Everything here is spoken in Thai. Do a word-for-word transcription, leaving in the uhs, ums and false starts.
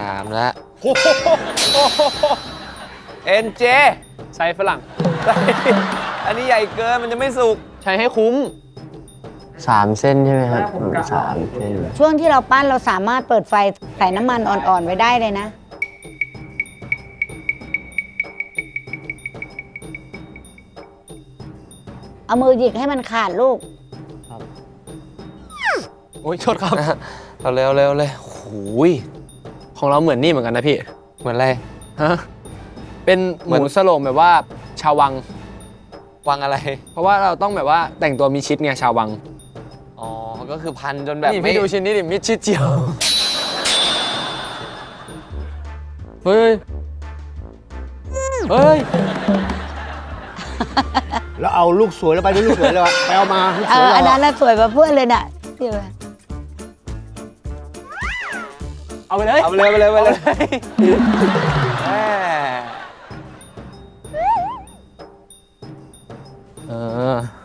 ามแล้วเอ็นเจใช้ฝรั่งอันนี้ใหญ่เกินมันจะไม่สุกใช้ให้คุ้มสามเส้นใช่ไหมครับสามเส้นช่วงที่เราปั้นเราสามารถเปิดไฟใส่น้ำมันอ่อนๆไว้ได้เลยนะเอามือหยิกให้มันขาดลูกโอ้ยโทษครับเอาเร็วเร็วเลยโอ้ยของเราเหมือนนี่เหมือนกันนะพี่เหมือนอะไรฮะเป็นหมูสโลงแบบว่าชาววังวังอะไรเพราะว่าเราต้องแบบว่าแต่งตัวมีชิดไงชาววังอ๋อก็คือพันจนแบบนี่พี่ดูชิ้นนี้ดิมิดชิดเจียวเฮ้ยเฮ้ยแล้วเอาลูกสวยแล้วไปด้วยลูกสวยเลยวะไปเอามาลูกสวยเราอันนั้นน่ะสวยกว่าเพื่อนเลยน่ะที่ว่าเอาไปเลยเอาไปเลยไปเลยไปเลยแหมเออ